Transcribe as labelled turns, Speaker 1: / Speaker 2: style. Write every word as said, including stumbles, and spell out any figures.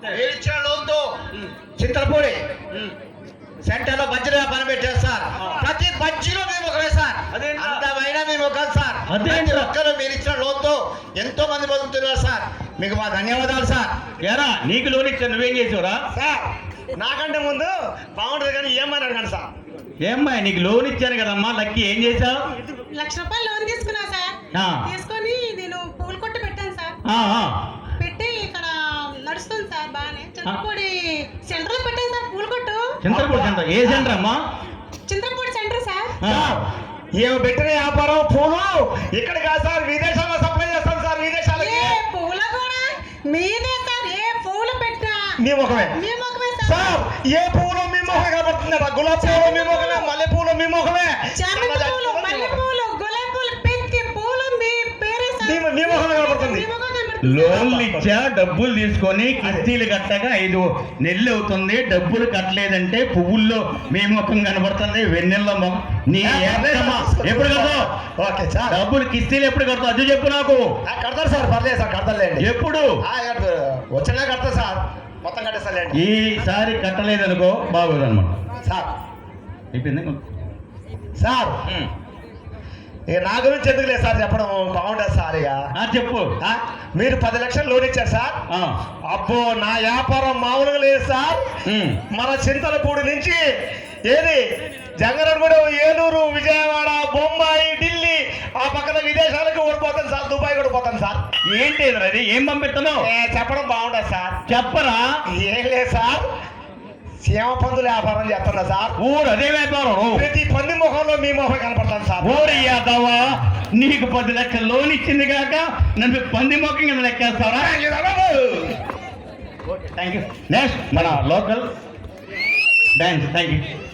Speaker 1: మీరు ఇచ్చిన లోన్తో చింతలపూడి సెంటర్ లో బజ్జీలో పని పెట్టారు సార్. ప్రతి బజ్జీలో మేము ఒకరే సార్. అంతమైనా మేము ఒక సార్. ప్రతి ఒక్కరు మీరు ఇచ్చిన లోన్తో ఎంతో మంది బతుకుతున్నారు సార్. మీకు మా ధన్యవాదాలు సార్.
Speaker 2: ఏరా నీకు లోన్ ఇచ్చా నువ్వేం చేసావురా?
Speaker 1: సార్ నాకంటే ముందు బాగుంటుంది కానీ ఏమని అడగండి సార్.
Speaker 2: ఏమ్మా నీకు లోన్ ఇచ్చాను కదమ్మా, లక్కీ ఏం చేసావు?
Speaker 3: లక్ష రూపాయలు లోన్ తీసుకున్నా సార్.
Speaker 2: ఆ.
Speaker 3: తీసుకొని నేను పూలు కొట్టు పెట్టాను సార్.
Speaker 2: ఆ, ఆ.
Speaker 3: పెట్టి ఇక్కడ నడుస్తుంది సార్ బాగానే. చింతపూడి సెంటర్ లో పెట్టాను సార్ పూలు కొట్టు.
Speaker 2: చింతలపూడి సెంటర్ ఏ సెంటర్ అమ్మా?
Speaker 3: Chintapudi centre sir.
Speaker 1: ఏమి పెట్టిన వ్యాపారం పూలు ఇక్కడ కాదు సార్, విదేశాల్లో సప్లై చేస్తాం సార్. విదేశాలకి
Speaker 3: ఏ పూల కూడా మీదే సార్. ఏ పూలు పెట్టినా
Speaker 1: మీ ముఖమే
Speaker 3: మీ ముఖమే
Speaker 1: సార్.
Speaker 3: సార్.
Speaker 1: ఏ పూలు మీ ముఖమే కనబడుతుందట. గులాబీ పూలు మీ ముఖమే, మల్లె పూలు మీ ముఖమే,
Speaker 3: చామంతి పూలు, మల్లె పూలు, గులాబీ పూలు, పెద్ద పూలు మీ పేరే సార్.
Speaker 1: మీ మీ ముఖమే కనబడుతుంది.
Speaker 3: మీ ముఖం కనబడుతుంది.
Speaker 2: లోన్లు ఇచ్చా, డబ్బులు తీసుకొని కిస్తీలు కట్టగా ఐదు నెలలు అవుతుంది, డబ్బులు కట్టలేదంటే పువ్వుల్లో మీ ముఖం కనబడుతుంది, వెన్నెల్లో ముఖం. నీ ఏమ్మా, ఎప్పుడు కడతావు?
Speaker 1: Okay sir.
Speaker 2: డబ్బులు కిస్తీలు ఎప్పుడు కడతావు అది చెప్పు నాకు.
Speaker 1: ఆ, కడతారు సార్, పర్లేదు సార్, కడతారులేండి.
Speaker 2: ఎప్పుడు?
Speaker 1: ఆ, కడతారు. వచ్చినా కడతా సార్, మొత్తం కట్టేస్తారులేండి.
Speaker 2: ఈసారి కట్టలేదనుకో బాగోదు అనమాట.
Speaker 1: సార్
Speaker 2: అయిపోయింది
Speaker 1: సార్ ఇక నా గురించి ఎందుకు లేదు సార్ చెప్పడం, బాగుంటుంది సార్. ఇక
Speaker 2: ఆ, చెప్పు.
Speaker 1: ఆ, మీరు పది లక్షలు లోన్ ఇచ్చారు సార్.
Speaker 2: ఆ.
Speaker 1: అబ్బో నా వ్యాపారం మామూలుగా లేదు సార్.
Speaker 2: ఉమ్.
Speaker 1: మన చింతలపూడి నుంచి ఏది జంగరగూడ, ఏలూరు, విజయవాడ, బొంబాయి, ఢిల్లీ, ఆ పక్కన విదేశాలకు ఓడిపోతాను సార్. దుబాయ్ కూడా పోతాను సార్.
Speaker 2: ఏంటి అది? ఏం పంపిస్తున్నావు?
Speaker 1: ఏ, చెప్పడం బాగుంటుంది సార్.
Speaker 2: చెప్పరా?
Speaker 1: ఏం లేదు సార్, సీమ పందుల వ్యాపారం చేస్తున్నా సార్.
Speaker 2: ఊరు అదే వ్యాపారం.
Speaker 1: ప్రతి పంది ముఖంలో మీ ముఖం కనపడతాను సార్.
Speaker 2: ఓరి యాదవా, నీకు పది లక్షల లోన్ ఇచ్చింది కాక నన్ను పంది మొక్కం కింద లెక్కేస్తావరా? Thank you. నెక్స్ట్ మన లోకల్ డాన్స్. Thank you.